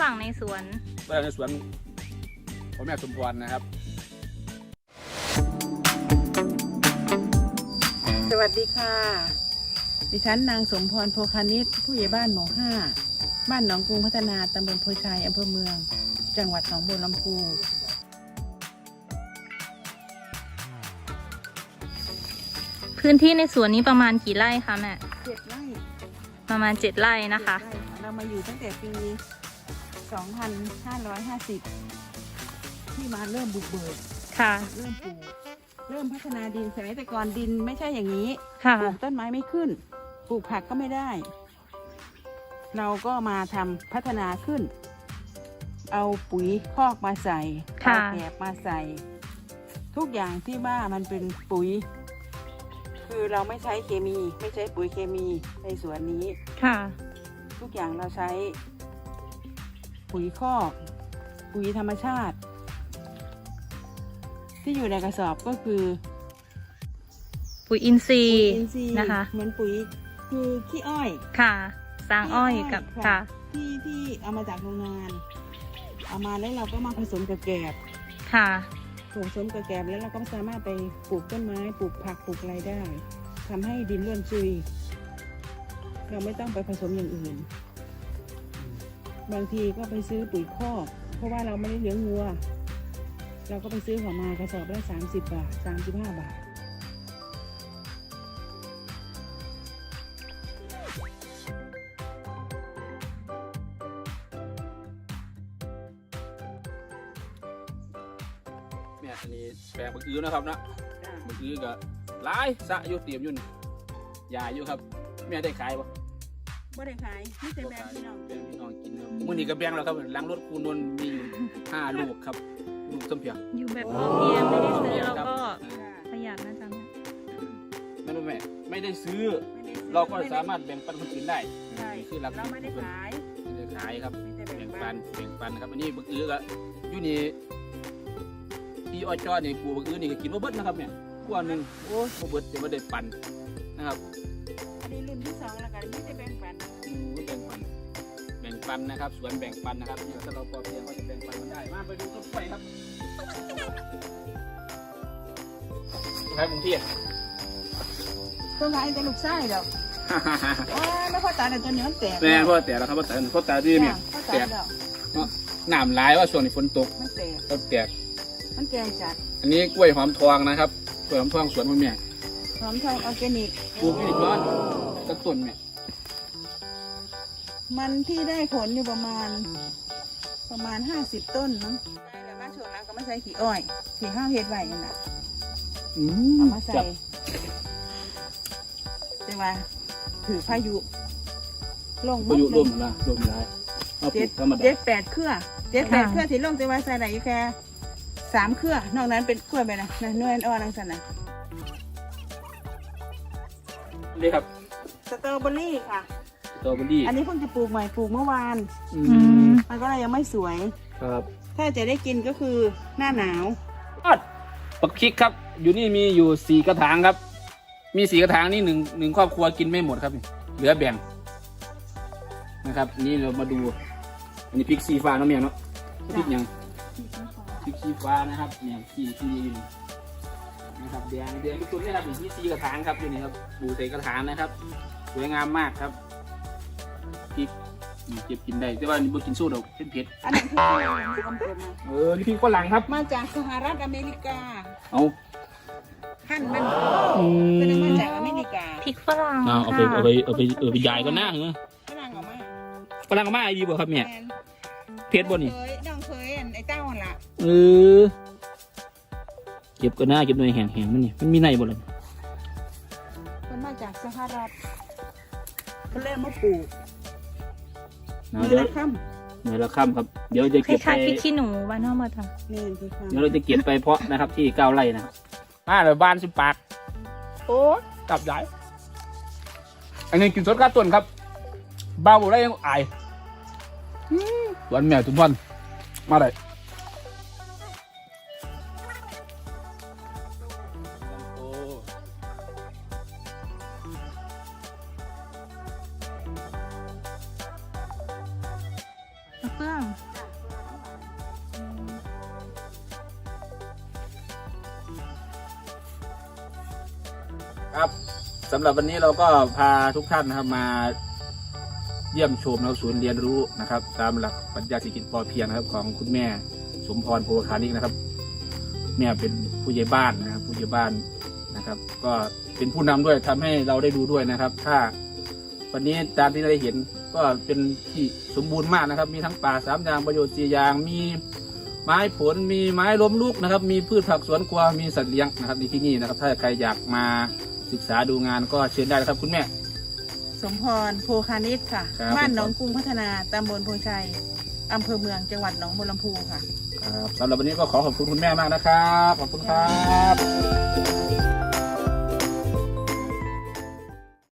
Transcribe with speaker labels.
Speaker 1: รั่งในสวน
Speaker 2: พ่อแม่สมพรนะครับ
Speaker 3: สวัสดีค่ะดิฉันนางสมพรโพคานิชผู้ใหญ่บ้านหมู่ 5บ้านหนองกรุงพัฒนาตำบลโพชัยอำเภอเมืองจังหวัดหนองบัวลำพู
Speaker 1: พื้นที่ในสวนนี้ประมาณกี่ไร่คะแม่
Speaker 3: 7 ไร่
Speaker 1: ประมาณ7 ไร่นะคะ
Speaker 3: 7 ไร่เรามาอยู่ตั้งแต่ปี 2550 ที่มาเริ่มบุกเบิก
Speaker 1: ค่ะ
Speaker 3: เริ่มปลูกเริ่มพัฒนาดินสมัยแต่ก่อนดินไม่ใช่อย่างนี้
Speaker 1: ค่ะ
Speaker 3: ปลูกต้นไม้ไม่ขึ้นปลูกผักก็ไม่ได้ เราก็มาทำพัฒนาขึ้น เอาปุ๋ยคอกมาใส่เอาแกบมาใส่ ทุกอย่างที่ว่ามันเป็นปุ๋ย คือเราไม่ใช้เคมีไม่ใช้ปุ๋ยเคมีในสวนนี้
Speaker 1: ค่ะ
Speaker 3: ทุกอย่างเราใช้ปุ๋ยคอก ปุ๋ยธรรมชาติ ที่อยู่ในกระสอบก็คือ
Speaker 1: ปุ๋ยอินทรี
Speaker 3: ปุ๋ย
Speaker 1: ย์
Speaker 3: อินทรีย์
Speaker 1: นะคะ
Speaker 3: เหมือนปุ๋ยคือขี้อ้อย
Speaker 1: ค่ะสร้างอ้อยกับ
Speaker 3: ค่ะ
Speaker 1: ค่ะ
Speaker 3: ที่เอามาจากโรงงาน เอามาแล้วเราก็มาผสมกับแกบ
Speaker 1: ค่ะ
Speaker 3: ผสมกับแกบแล้วเราก็สามารถไปปลูกต้นไม้ปลูกผักปลูกอะไรได้ทำให้ดินร่วนซุย เราไม่ต้องไปผสมอย่างอื่น บางทีก็ไปซื้อปุ๋ยคอกเพราะว่าเราไม่ได้เลี้ยงวัว เราก็ไปซื้อของมากระสอบละ30 บาท 35 บาท
Speaker 2: เนี่ยอันนี้แปลงบักอื้อนะครับนะบักอื้อก็หลายสะอยู่เตรียมอยู่นี่ยาอยู่ครับแม่ได้ขายปะ
Speaker 3: บ่ได้ขายไม่ใช่แบงพี่น้อง
Speaker 2: แบ่งพี่น้องกินครับมื้อนี้ก็แบ่งแล้วครับหลังรถคูณนนมีอยู่5 ลูกครับลูกส้มเพียง
Speaker 1: อยู่แบบพอเพียงไม่ได้ซื้อแล้วก็ประหยัดนะจ๊ะ
Speaker 2: นั่นแม่ไม่ได้ซื้อ
Speaker 3: ไม่ได้ซื้อ
Speaker 2: เราก็สามารถแบ่งปันคนอื่นได้
Speaker 3: ใช่
Speaker 2: นี่คือหลัก
Speaker 3: เราไม่ได้ขาย
Speaker 2: ไม่ได้ขายครับ
Speaker 3: ไม่ได้
Speaker 2: แบ่ง
Speaker 3: ปั
Speaker 2: ปันนะครับอันนี้บักอื้อก็อยู่นี่ที่อ้อยจ้อนี่ปลูกบักอื้อนี่ก็กินบ่เบิดนะครับเนี่ยกว่าหนึงโอ้บ่เบิดจะบ่ได้ปันนะครับ
Speaker 3: อันนี้รุ่นที่ 2แล้วกันไม่ได้แบ่งปัน
Speaker 2: แบ่งปันนะครับสวนแบ่งปันนะครับเนี่ยถ้าเราพอเพียงก็จะแบ่งปันมันได้มาไปดูต้นกล้วยครับใครกรุงเทพ
Speaker 3: ต้องขายแต่ลูกไส้ดอกแล้วพ่อตาแต่ตัวนี้มันแตก
Speaker 2: แม่พ่อแต่แล้วครับพ่อแต่ที่เนี่ย
Speaker 3: พ่อตาดอก
Speaker 2: น้ำหลายว่าช่วงนี้ฝนตก
Speaker 3: มันแตก
Speaker 2: ต้นแตก
Speaker 3: มันแกงจัด
Speaker 2: อันนี้กล้วยหอมทองนะครับกล้วยหอมทองสวนพ่อแม่
Speaker 3: หอมทองออร์แกนิก
Speaker 2: ปลูกอีกร้อนสักต้นเนี่ย
Speaker 3: มันที่ได้ผลอยู่ประมาณ 50 ต้นมั้งแล้วมาช่วงนั้นก็มาใส่ขี้อ้อยขี้ข้าวเฮ็ดไว้นั่นแหละเอามาใส่ แต่ว่าถือพายุลง
Speaker 2: ก็อยู่ร่วมนะร่วมร้ายเอาปลูกธรรมดา
Speaker 3: 7-8 เครือ7-8 เครือที่ลงแต่ว่าใส่ได้อยู่แค่3 เครือนอกนั้นเป็นกล้วยไปนะหน่วยอ่อนนั่งสันนะ
Speaker 2: นี่ครับ
Speaker 3: สตรอเบอรี่ค่ะ
Speaker 2: สตรอเบอรี่
Speaker 3: อันนี้เพิ่งจะปลูกใหม่ปลูกเมื่อวาน มันก็เลยยังไม่สวย
Speaker 2: ครับ
Speaker 3: ถ้าจะได้กินก็คือหน้าหนาว
Speaker 2: ปักพริกครับอยู่นี่มีอยู่4 กระถางครับมี4 กระถางนี่หนึ่งครอบครัวกินไม่หมดครับเหลือแบ่งนะครับนี่เรามาดูอันนี้พริกสีฟ้าเนาะเมียเนาะพริกยังพริกสีฟ้านะครับเนี่ยสีอยู่นี่นะครับแดงทุกต้นนี่ครับอยู่ที่4 กระถางครับอยู่นี่ครับปลูกใส่กระถางนะครับสวยงามมากครับพริกนี่เก็บกินได้แต่ว่านี่บ่กินสู้ดอกเผ็ด
Speaker 3: อันนั้นคืออะไรที่กำเนิดมา
Speaker 2: นี่พริกฝรั่งครับ
Speaker 3: มาจากสหรัฐอเมริกา
Speaker 2: เอา
Speaker 3: ขั้นมันเป็นมาจากอเมริกา
Speaker 1: พริกฝรั่ง
Speaker 2: เอาไปยายก็น่าเหรอ
Speaker 3: ฝรั่งออกมา
Speaker 2: ฝรั่งก็มาดีบ่ครับเนี่ย
Speaker 3: แมน
Speaker 2: เผ็ดบ่นี่
Speaker 3: น้องเคยไอ้เต้าหั่นล่ะ
Speaker 2: เก็บก็น่าเก็บหน่วยแห้งๆมันนี่มันมีในบ่ล่ะ
Speaker 3: มันมาจากสหรัฐเขาเริ่มมาปลูก
Speaker 2: เดี๋ยว
Speaker 3: ละค่
Speaker 2: หน่วยละค่ำครับเดี๋ยวจะ
Speaker 1: ค
Speaker 2: เก็บไป
Speaker 1: ล้ายๆพริกขี้หนูบ้านนอกมาท
Speaker 3: ำนี่คือค่
Speaker 2: เดี๋ยวเราจะเก็บไปเพาะนะครับที่9 ไร่นะครับเดี๋ยวบ้านสิปากโอ้กลับได้อันนี้กินสดก้าต้นครับบ้าบ่ได้ยังอายวันแม่ทุกวันมาเลย
Speaker 1: เฟื่อง
Speaker 2: ครับสำหรับวันนี้เราก็พาทุกท่านนะครับมาเยี่ยมชมศูนย์เรียนรู้นะครับตามหลักปรัชญาเศรษฐกิจพอเพียงนะครับของคุณแม่สมพรโพคานิกนะครับแม่เป็นผู้ใหญ่บ้านนะครับผู้ใหญ่บ้านนะครับ ก็เป็นผู้นำด้วยทำให้เราได้ดูด้วยนะครับ ถ้าวันนี้ตามที่เราได้เห็นก็เป็นที่สมบูรณ์มากนะครับ มีทั้งป่า3 อย่างประโยชน์4 อย่างมีไม้ผลมีไม้ล้มลุกนะครับ มีพืชผักสวนครัวมีสัตว์เลี้ยงนะครับในที่นี่นะครับ ถ้าใครอยากมาศึกษาดูงานก็เชิญได้นะครับคุณแม่
Speaker 3: สมพรโพคานิชค่ะ
Speaker 2: ครับ
Speaker 3: บ้านหนองกรุงพัฒนาตำบลโพชัยอำเภอเมืองจังหวัดหนองบัวลำพูค่ะ
Speaker 2: ครับสำหรับวันนี้ก็ขอขอบคุณคุณแม่มากนะครับ ขอบคุณครับ